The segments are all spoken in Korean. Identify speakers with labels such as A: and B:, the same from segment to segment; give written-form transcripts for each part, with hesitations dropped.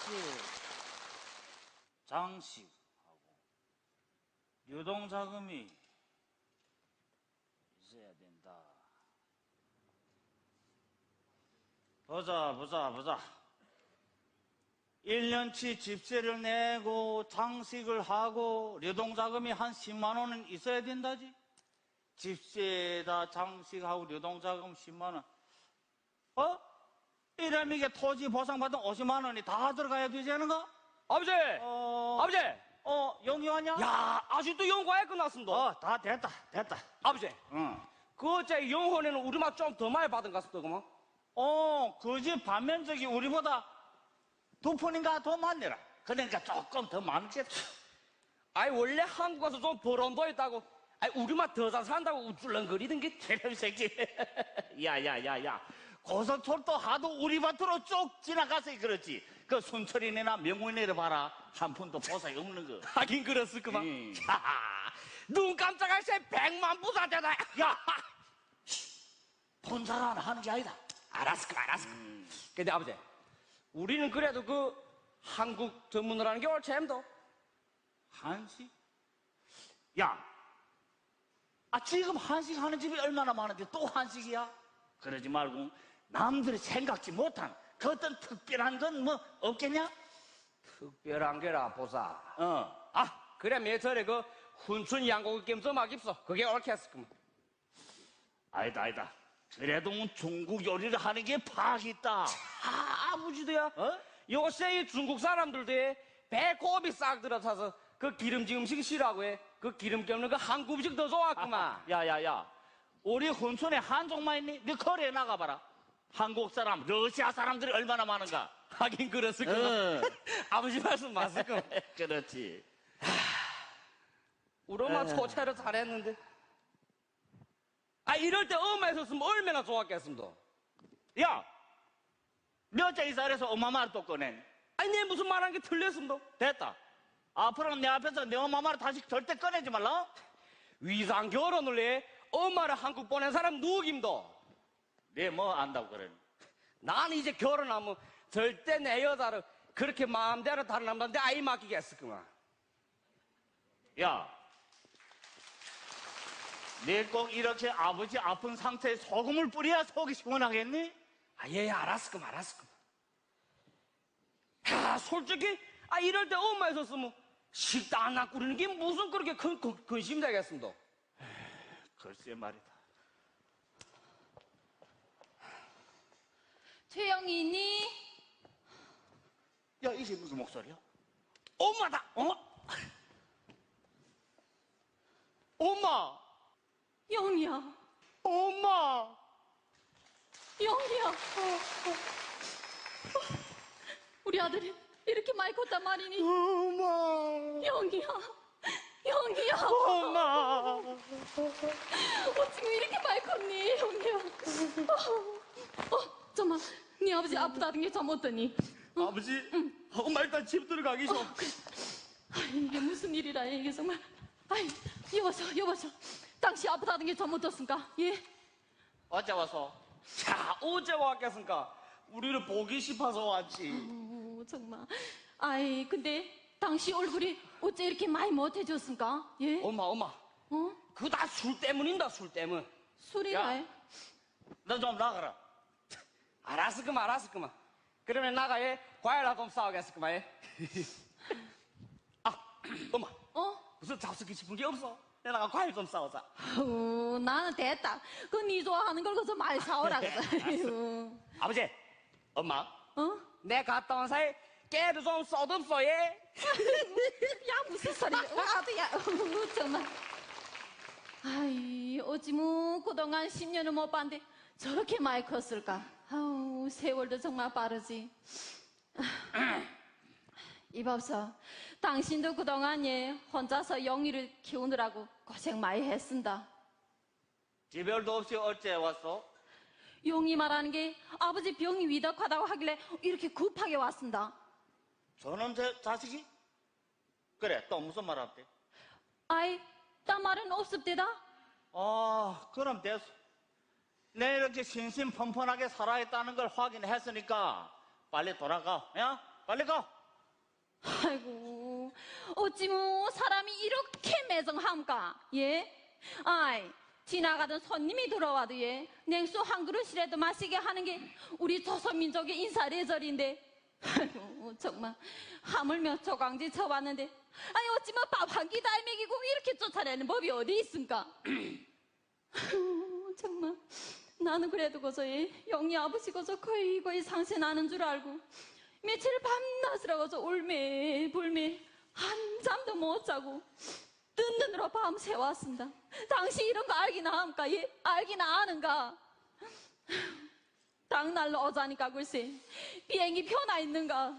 A: 집세, 장식하고 유동자금이 있어야 된다. 보자. 1년치 집세를 내고 장식을 하고 유동자금이 한 10만 원은 있어야 된다지. 집세에다 장식하고 유동자금 10만 원. 이러면 이게 토지 보상받은 50만 원이 다 들어가야 되지 않은가?
B: 아버지! 아버지!
A: 용이 왔냐?
B: 야, 아직도 연구하에 끝났습니다.
A: 다 됐다.
B: 아버지,
A: 응.
B: 그 어째 영혼에는 우리 맛 좀 더 많이 받은 것 같습니다, 그만.
A: 그 집 반면적이 우리보다 2푼인가 더 많네라. 그러니까 조금 더 많겠다.
B: 아이, 원래 한국 가서 좀 벌은 도 있다고. 아이, 우리 맛 더 잘 산다고 우쭐렁거리던 게.
A: 이런 새끼. 야. 고속철도 하도 우리 밭으로 쭉 지나가서 그렇지. 그 순철이네나 명문이네 봐라. 한 푼도 보상이 없는 거.
B: 하긴 그랬을 그만.
A: 야,
B: 눈 깜짝할 새 100만 부자 되다.
A: 야! 본사를 하나 하는 게 아니다.
B: 알았어. 근데 아버지, 우리는 그래도 그 한국 전문을 하는 게 옳지엠도.
A: 한식? 야! 지금 한식 하는 집이 얼마나 많은데 또 한식이야? 그러지 말고 남들이 생각지 못한 그 어떤 특별한 건 뭐 없겠냐?
B: 특별한 게라 보사. 그래 매철에 그 훈춘 양고기 게임 좀 하깁소. 그게 옳겠어.
A: 아니다. 그래도 중국 요리를 하는 게 파악 있다.
B: 아버지도야. 요새 이 중국 사람들도 배꼽이 싹 들어차서 그 기름진 음식 싫어하고 해. 그 기름기 없는 그 한국 음식 더 좋아하구만.
A: 야. 우리 훈촌에 한족만 있니? 너 거리에 나가봐라. 한국 사람, 러시아 사람들이 얼마나 많은가?
B: 하긴 그랬을 거야. 아버지 말씀 맞을 거.
A: 그렇지.
B: 우리 엄마 초채를 잘했는데. 이럴 때 엄마 있었으면 얼마나 좋았겠습니다.
A: 야! 몇째 이사해서 엄마 말 또 꺼내.
B: 내 무슨 말한 게 틀렸습니다.
A: 됐다. 앞으로는 내 앞에서 내 엄마 말을 다시 절대 꺼내지 말라.
B: 위상 결혼을 해 엄마를 한국 보낸 사람 누구입니다.
A: 네 뭐 안다고 그래.
B: 나는 이제 결혼하면 절대 내 여자를 그렇게 마음대로 다른 남자한테 아이 맡기겠을구만.
A: 야, 네 꼭 이렇게 아버지 아픈 상태에 소금을 뿌려야 속이 시원하겠니?
B: 예, 알았을끔. 솔직히 이럴 때 엄마 있었으면 식당 하나 꾸리는 게 무슨 그렇게 큰 근심이 되겠습니다.
A: 글쎄 말이다.
C: 최영이 있니?
A: 야, 이게 무슨 목소리야?
B: 엄마다. 엄마.
C: 영이야.
B: 엄마.
C: 영이야. 우리 아들이 이렇게 많이 컸단 말이니?
B: 엄마.
C: 영이야.
B: 엄마.
C: 지금 이렇게 많이 컸니? 영이야. 잠깐만. 네 아버지 아프다던 게 좀 어떠니?
B: 아버지. 엄마 일단 집 들어가기 좀.
C: 이게 무슨 일이라 이게 정말. 여보셔. 당시 아프다던 게 좀 어떻습니까? 예?
A: 어제 와서?
B: 자, 어제 왔겠습니까? 우리를 보기 싶어서 왔지.
C: 정말. 근데 당시 얼굴이 어째 이렇게 많이 못해졌습니까? 예?
B: 엄마. 그거 다 술 때문인다, 술 때문.
C: 술이라.
A: 너 좀 나가라.
B: 알았을까만. 그러면 나가에 과일나 좀 싸우겠을까만. 엄마. 무슨 잡수기 싶은 게 없어? 내가 과일 좀 싸우자.
C: 나는 됐다. 네 좋아하는 걸 거기서 많이 사오라 그래.
B: 아버지, 엄마.
C: 내
B: 갔다 온 사이 깨도 좀 써듬소, 예?
C: 야, 무슨 소리야. 아도야. 정말. 어찌 그동안 10년을 못 봤는데 저렇게 많이 컸을까? 세월도 정말 빠르지. 이봐서 당신도 그동안 혼자서 영희를 키우느라고 고생 많이 했습니다.
A: 지별도 없이 어째 왔어?
C: 영희 말하는 게 아버지 병이 위독하다고 하길래 이렇게 급하게 왔습니다.
A: 저놈 자식이? 그래, 또 무슨 말 할때?
C: 딴 말은 없습니다.
A: 그럼 됐어. 내 이렇게 신신펀펀하게 살아있다는 걸 확인했으니까 빨리 돌아가. 야? 빨리 가.
C: 아이고, 어찌 뭐 사람이 이렇게 매정함까? 예? 아이, 지나가던 손님이 들어와도 예, 냉수 한 그릇이라도 마시게 하는 게 우리 조선민족의 인사례절인데. 아이고, 정말 하물며 조강지 쳐봤는데, 아니 어찌 뭐 밥 한 끼 다 먹이고 이렇게 쫓아내는 법이 어디 있습니까? 아이고, 정말 나는 그래도 거저 예, 영희 아버지 거저 거의 상세 나는 줄 알고 며칠 밤낮으로 거저 울매불매 한잠도 못 자고 뜬 눈으로 밤새 왔습니다. 당신 이런 거 알기나 합니까? 예? 알기나 아는가? 당날로 오자니까 글쎄 비행기 표나 있는가?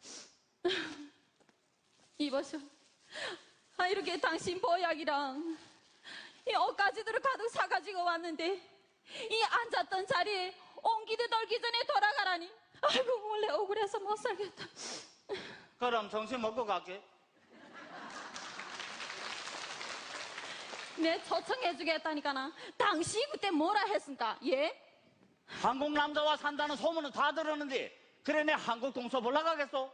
C: 이보쇼, 아 이렇게 당신 보약이랑 이 옷가지들을 가득 사가지고 왔는데 이 앉았던 자리에 옹기도 덜기 전에 돌아가라니. 아이고 원래 억울해서 못 살겠다.
A: 그럼 점심 먹고 갈게.
C: 내 초청해주겠다니까나. 당시 그때 뭐라 했습니까? 예?
A: 한국 남자와 산다는 소문은 다 들었는데 그래 내 한국 동서 보러 가겠어?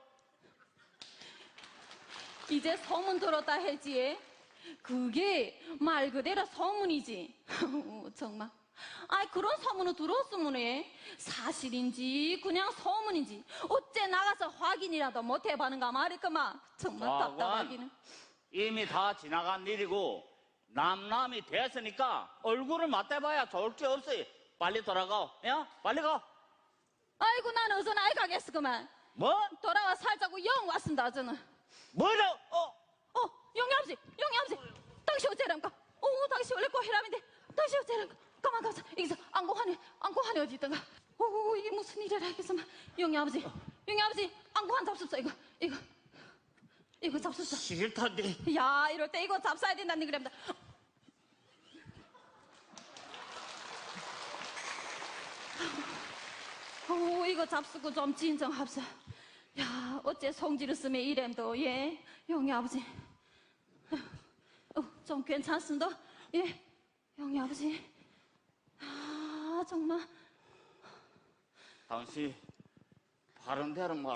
C: 이제 소문 들었다 했지. 예? 그게 말 그대로 소문이지. 정말. 아이 그런 소문을 들었으면 예? 사실인지 그냥 소문인지 어째 나가서 확인이라도 못 해봐는가 말이구만. 정말 답답하기는.
A: 이미 다 지나간 일이고 남남이 됐으니까 얼굴을 맞대봐야 좋을 게 없어요. 빨리 돌아가. 야, 빨리 가.
C: 아이고 난 어서 나이 가겠어 그만.
A: 뭐?
C: 돌아와 살자고 영 왔습니다 저는.
A: 뭐라?
C: 영희 아버지, 영희 아버지, 당신 어째랍니까? 당신 원래 꼬히람인데 당신 어째랍니까? 가만 여기서 안고환이 어디 있던가? 이게 무슨 일이라 하겠어만. 영희 아버지, 영희 아버지, 안고환 잡수소 이거 잡수소.
A: 싫던데.
C: 야, 이럴 때 이거 잡숴야 된다는 그랍니다. 이거 잡수고 좀 진정합사. 야, 어째 성질을 쓰면 이램도 예, 영희 아버지. 좀 괜찮습니다. 예, 영희 아버지. 아, 정말.
A: 당신 바른 대로 말아.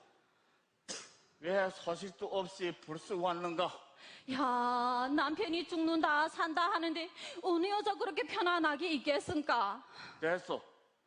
A: 왜 소식도 없이 불쑥 왔는가?
C: 야, 남편이 죽는다 산다 하는데 어느 여자 그렇게 편안하게 있겠습니까?
A: 됐어.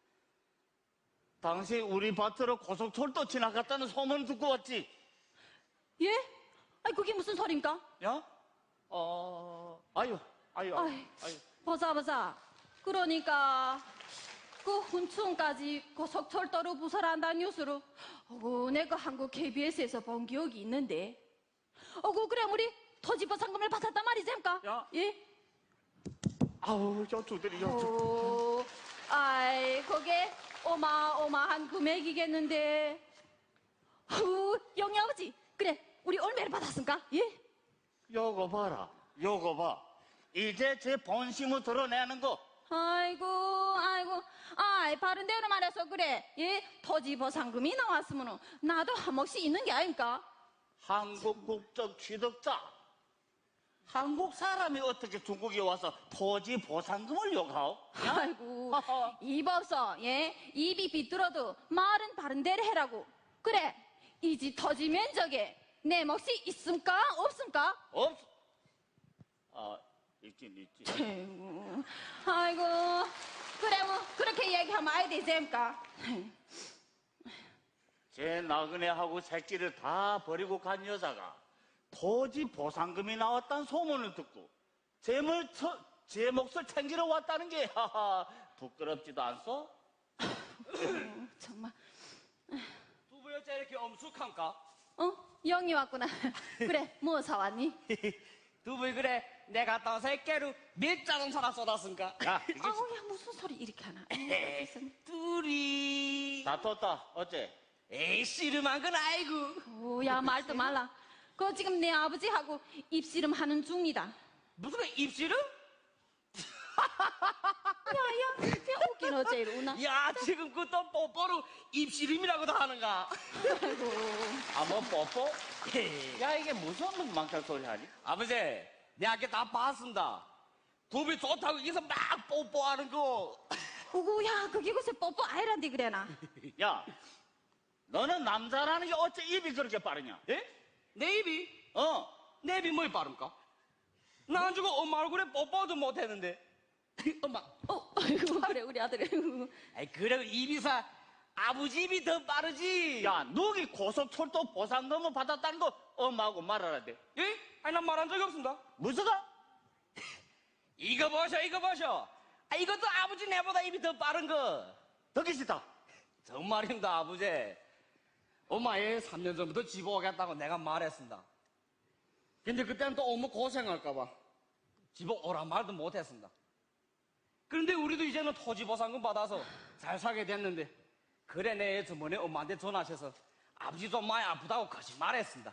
A: 당신 우리 밭으로 고속철도 지나갔다는 소문 듣고 왔지?
C: 예? 아이 그게 무슨 소린가?
A: 야? 아유.
C: 아이, 보자. 그러니까 그 훈충까지 고속철도로 부설한다는 뉴스로 내가 한국 KBS에서 본 기억이 있는데 그래 우리 토지보 상금을 받았단 말이지입니까?
A: 야.
C: 예?
A: 아우 여쭈들이
C: 아이 그게 어마어마한 금액이겠는데. 영희 아버지 그래 우리 얼마를 받았습니까? 예?
A: 요거 봐라. 요거 봐. 이제 제 본심을 드러내는 거.
C: 아이고 아이 바른 대로 말해서 그래. 예? 토지보 상금이 나왔으면 나도 한 몫이 있는 게 아닙니까?
A: 한국 국적 취득자. 한국 사람이 어떻게 중국에 와서 토지 보상금을 요구하오?
C: 아이고 입 없어. 예? 입이 비뚤어도 말은 바른 대로 해라고. 그래 이 집 토지 면적에 내 몫이 있습니까? 없습니까?
A: 없어. 있긴 있지.
C: 아이고 그래 뭐 그렇게 얘기하면 아야 되지입니까?
A: 제 나그네하고 새끼를 다 버리고 간 여자가 토지 보상금이 나왔다는 소문을 듣고 제 몫을 챙기러 왔다는 게 부끄럽지도 않소?
C: 정말.
B: 두부 여자 이렇게 엄숙한가?
C: 영희 왔구나. 그래 뭐 사왔니?
B: 두부 그래 내가 갔다 와서 새끼로 몇 자동차나 쏟았은가?
A: 야, 이게
C: 야 무슨 소리 이렇게 하나.
B: 둘이
A: 다 떴다. 어째?
B: 에이 씨름한 건 아이고.
C: 야 말도 말라. 그거 지금 내 아버지하고 입씨름 하는 중이다.
B: 무슨 입씨름?
C: 야야 그냥 웃긴 어째 이러나.
B: 야 지금 그또 뽀뽀로 입씨름이라고도 하는가?
C: 아이고.
A: 뭐 뽀뽀? 야, 이게 무슨 망탈 소리 하니?
B: 아버지 내 아까 다 봤습니다. 두부 좋다고 여기서 막 뽀뽀하는 거.
C: 야 그게 글쎄 뽀뽀 아이란데 그래나.
A: 야, 너는 남자라는 게 어째 입이 그렇게 빠르냐?
B: 예? 내 입이?
A: 어?
B: 내 입이 뭘 빠릅니까? 나 안 주고 엄마 얼굴에 뽀뽀도 못했는데. 엄마.
C: 아이고, 그래, 우리 아들. 아이고.
B: 아이, 그래, 입이사. 아버지 입이 더 빠르지.
A: 야, 너기 고속철도 보상금을 받았다는 거 엄마하고 말하라 돼.
B: 예? 아니, 난 말한 적이 없습니다.
A: 무슨가?
B: 이거 보셔, 이거 보셔. 아, 이것도 아버지 내보다 입이 더 빠른 거.
A: 듣기 싫다.
B: 정말입니다, 아버지. 엄마 얘 3년 전부터 집 오겠다고 내가 말했습니다. 근데 그때는 또 엄마 고생할까봐 집 오란 말도 못했습니다. 그런데 우리도 이제는 토지 보상금 받아서 잘 살게 됐는데, 그래 내 저번에 엄마한테 전화하셔서 아버지 좀 많이 아프다고 거짓말했습니다.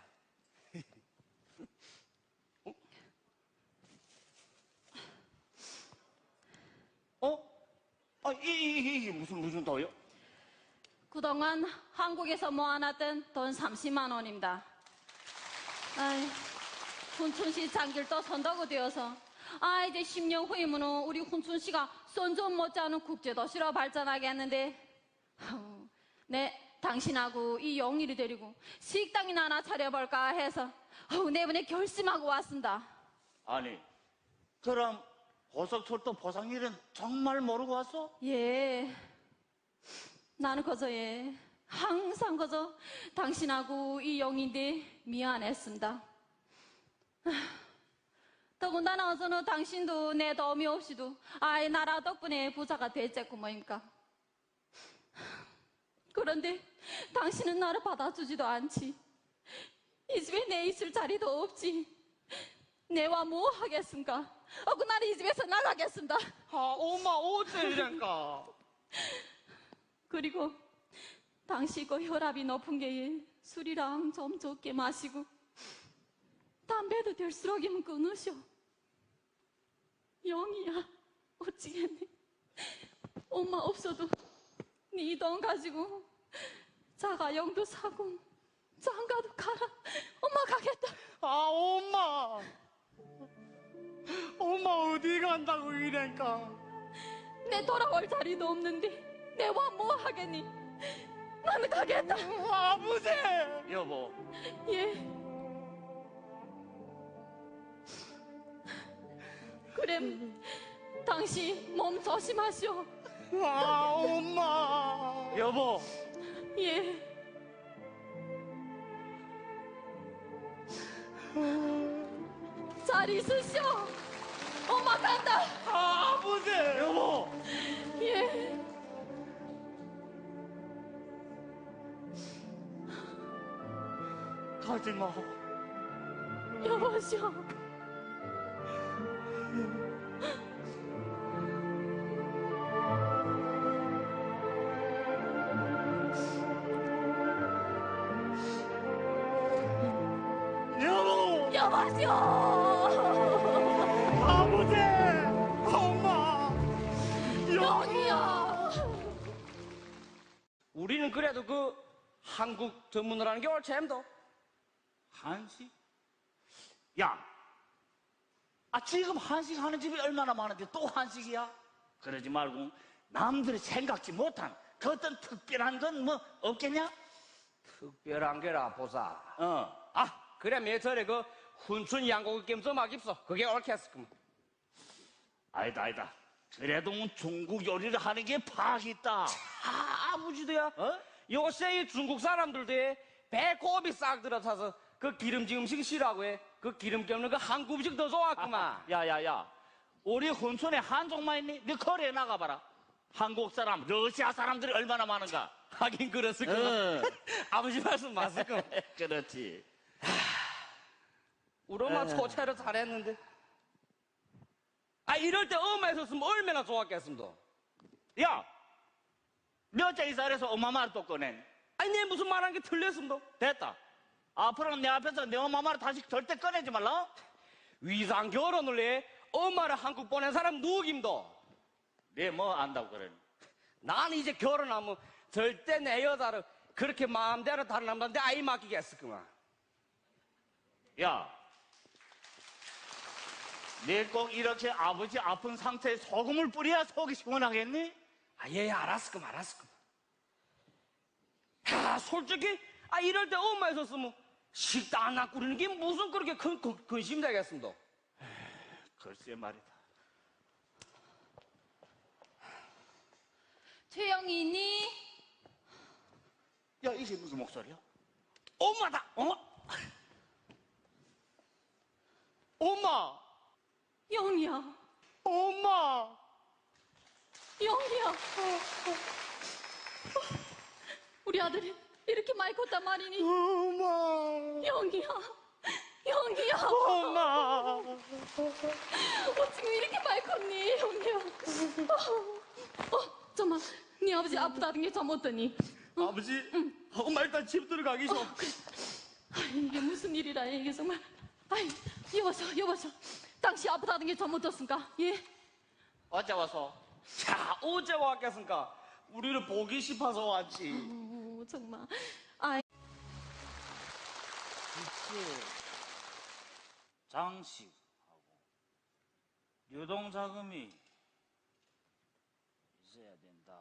A: 어? 아, 이게 무슨 도요?
C: 그동안 한국에서 모아놨던 돈 30만 원입니다. 아이, 훈춘시 장길도 선도가 되어서 이제 10년 후이면 우리 훈춘시가 선전 못지않은 국제도시로 발전하겠는데, 네, 당신하고 이 영일이 데리고 식당이나 하나 차려볼까 해서 내번에 결심하고 왔습니다.
A: 아니, 그럼 고속철도 보상일은 정말 모르고 왔어?
C: 예, 나는 그저 항상 그저 당신하고 이 영인데 미안했습니다. 더군다나 어서는 당신도 내 도움이 없이도 나라 덕분에 부자가 됐겠고 뭐입니까? 그런데 당신은 나를 받아주지도 않지. 이 집에 내 있을 자리도 없지. 내와 뭐 하겠습니까? 나는 이 집에서 나가겠습니다.
B: 아, 엄마 어째 이랬까?
C: 그리고 당시 그 혈압이 높은 게 술이랑 좀 적게 마시고 담배도 될수록이면 끊으셔. 영이야, 어찌겠니? 엄마 없어도 네 돈 가지고 자가용도 사고 장가도 가라. 엄마 가겠다.
B: 아, 엄마 어디 간다고 이랬까?
C: 내 돌아올 자리도 없는데 내와 뭐 하겠니? 나는 가겠다.
B: 아버지!
A: 여보,
C: 예. 그래, 당신 몸 조심하시오.
B: 아, 엄마!
A: 여보,
C: 예. 잘 있으시오. 엄마 간다.
B: 아, 아버지!
A: 여보.
C: 예.
A: 가지 마.
C: 여보시오.
A: 여보,
C: 여보시오.
A: 아버지, 엄마,
C: 영이야.
B: 우리는 그래도 그 한국 전문을 하는 게 옳잼도.
A: 한식? 야, 지금 한식 하는 집이 얼마나 많은데 또 한식이야? 그러지 말고 남들이 생각지 못한 그 어떤 특별한 건 뭐 없겠냐?
B: 특별한 게라 보사.
A: 어.
B: 아, 그래 매절에 그 훈춘 양고기 게임 좀 하깁소. 그게 옳겠을끔.
A: 아니다. 그래도 중국 요리를 하는 게 파악 있다.
B: 아, 아버지도야.
A: 어?
B: 요새 이 중국 사람들도 배꼽이 싹 들어차서 그 기름진 음식 싫어하고 해. 그 기름기 없는 그 한국 음식 더 좋아하구만.
A: 야야야, 우리 훈촌에 한족만 있니? 네 거리에 나가봐라. 한국 사람, 러시아 사람들이 얼마나 많은가?
B: 하긴 그랬을구만. 아버지 말씀 맞을끔.
A: 그렇지.
B: 우리 엄마 초채를 잘했는데. 이럴 때 엄마 있었으면 얼마나 좋았겠습니다.
A: 야, 몇째 이사해서 엄마 말 또 꺼내.
B: 내 무슨 말한 게 틀렸습니다.
A: 됐다. 앞으로는 내 앞에서 내 엄마 말을 다시 절대 꺼내지 말라.
B: 위상 결혼을 해 엄마를 한국 보낸 사람 누구입니다.
A: 네 뭐 안다고 그래.
B: 나는 이제 결혼하면 절대 내 여자를 그렇게 마음대로 다른 남자한테 아이 맡기겠을구만.
A: 야, 네 꼭 이렇게 아버지 아픈 상태에 소금을 뿌려야 속이 시원하겠니?
B: 예, 알았을끔. 야, 솔직히, 이럴 때 엄마 있었으면 식당 하나 꾸리는 게 무슨 그렇게 근심이 되겠습니다.
A: 글쎄 말이다.
C: 최영이 있니?
A: 야, 이게 무슨 목소리야?
B: 엄마다! 엄마! 엄마!
C: 영희야,
B: 엄마!
C: 영희야. 우리 아들이 이렇게 많이 컸단 말이니?
B: 엄마!
C: 영희야, 영희야.
B: 엄마!
C: 지금 이렇게 많이 컸니, 영희야? 잠깐만, 네 아버지 아프다는 게 좀 어떠니?
B: 아버지? 엄마 일단 집 들어가기 좀.
C: 이게 무슨 일이라 이게 정말. 아이, 여보셔. 당신 아프다는 게 좀 어떻습니까? 예?
A: 어제 와서
B: 자, 어제 왔겠습니까? 우리를 보기 싶어서 왔지.
C: 정말. 아이,
A: 집세, 장식하고 유동자금이 있어야 된다.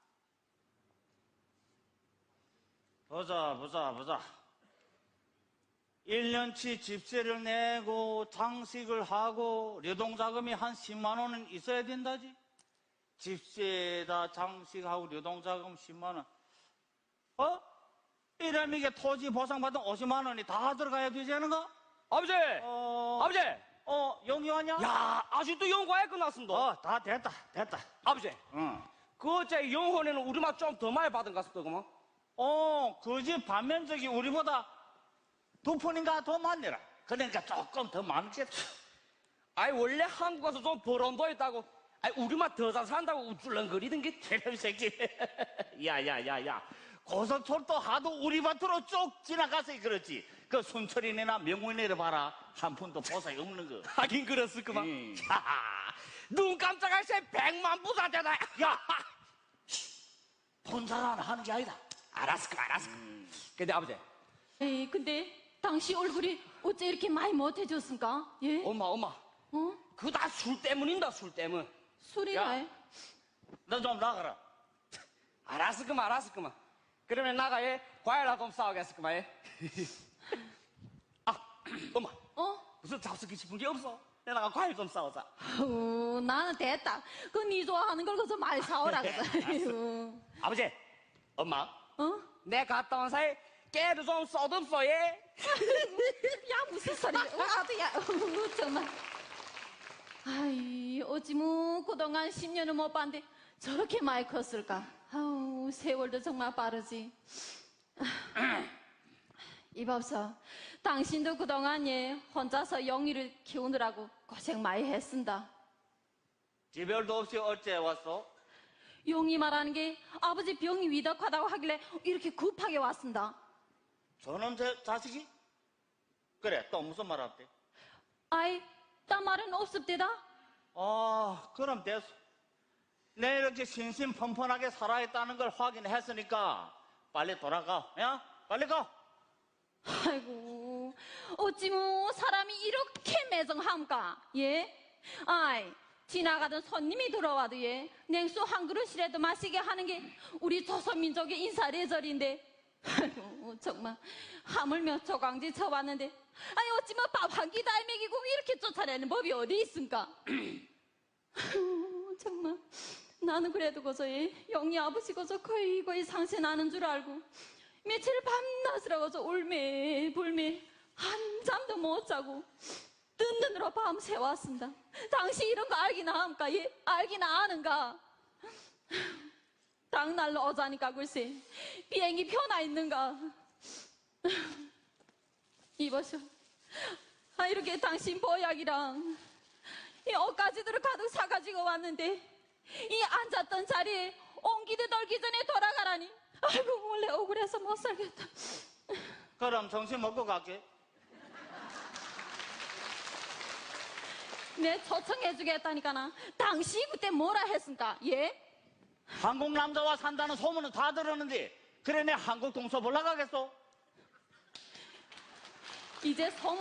A: 보자. 1년치 집세를 내고 장식을 하고 유동자금이 한 10만 원은 있어야 된다지. 집세에다 장식하고 유동자금 10만 원. 이러면 이게 토지 보상받은 50만 원이 다 들어가야 되지 않은가?
B: 아버지! 아버지!
A: 영희 왔냐?
B: 야, 아직도 영과에 끝났습니다.
A: 다 됐다.
B: 아버지,
A: 응.
B: 그 어째 영혼에는 우리 맛 좀 더 많이 받은 것 같습니다, 그만.
A: 그 집 반면적이 우리보다 2푼인가 더 많네라. 그러니까 조금 더 많겠다.
B: 원래 한국 와서 좀 벌어도 있다고. 우리 맛 더 잘 산다고 우쭐렁거리던 게.
A: 이런 새끼. 야. 고속철도 하도 우리 밭으로 쭉 지나가서 그렇지. 그 순철이네나 명문이네 봐라. 한 푼도 보상이 없는 거.
B: 하긴 그랬을 그만.
A: 야,
B: 눈 깜짝할 새 100만 부자 되다.
A: 야! 본사가 하는 게 아니다.
B: 알았어. 근데 아버지,
C: 에이, 근데 당신 얼굴이 어째 이렇게 많이 못해졌습니까? 예?
B: 엄마. 그거 다 술 때문인다, 술 때문.
C: 술이나 해?
A: 너 좀 나가라.
B: 알았어, 그만. 그러면 나가, 과일하고 좀 싸우겠어, 그만. 엄마. 무슨 잡수기 싶은 게 없어? 내가 과일 좀 싸우자.
C: 나는 됐다. 네 좋아하는 걸 거기서 많이 사오라 그래.
B: 아버지, 엄마.
C: 어?
B: 내 갔다 온 사이 깨도 좀 써듬어, 예?
C: 야, 무슨 소리야. 와도 야, 정말. 아이, 어찌 그동안 10년을 못 봤는데 저렇게 많이 컸을까? 세월도 정말 빠르지. 이봐서 당신도 그동안 혼자서 영희를 키우느라고 고생 많이 했습니다.
A: 지별도 없이 어째 왔어?
C: 영희 말하는 게 아버지 병이 위독하다고 하길래 이렇게 급하게 왔습니다.
A: 저놈 자식이? 그래, 또 무슨 말 할때?
C: 아이, 딴 말은 없습니다.
A: 그럼 됐어. 내 이렇게 신신펀펀하게 살아있다는 걸 확인했으니까 빨리 돌아가. 야, 빨리 가.
C: 아이고, 어찌 사람이 이렇게 매정함까? 예? 아이, 지나가던 손님이 들어와도 냉수 한 그릇이라도 마시게 하는 게 우리 조선민족의 인사례절인데. 아이고, 정말 하물며 조강지 쳐봤는데 어찌 밥 한 끼 다 먹이고 이렇게 쫓아내는 법이 어디 있습니까? 정말 나는 그래도 거저 영희 아버지 거저 거의 상세 나는 줄 알고 며칠 밤낮으로 거저 울매불매 한잠도 못 자고 뜬 눈으로 밤새 왔습니다. 당신 이런 거 알기나 합니까? 알기나 아는가? 당날로 오자니까 글쎄 비행기 표나 있는가? 이보쇼, 이렇게 당신 보약이랑 이 옷가지들을 가득 사가지고 왔는데 이 앉았던 자리에 옹기도 널기 전에 돌아가라니. 아이고, 원래 억울해서 못 살겠다.
A: 그럼 정신 먹고 갈게.
C: 내 초청해주겠다니까나. 당신 그때 뭐라 했습니까? 예?
A: 한국 남자와 산다는 소문은 다 들었는데 그래 내 한국 동서 올라가겠어?
C: 이제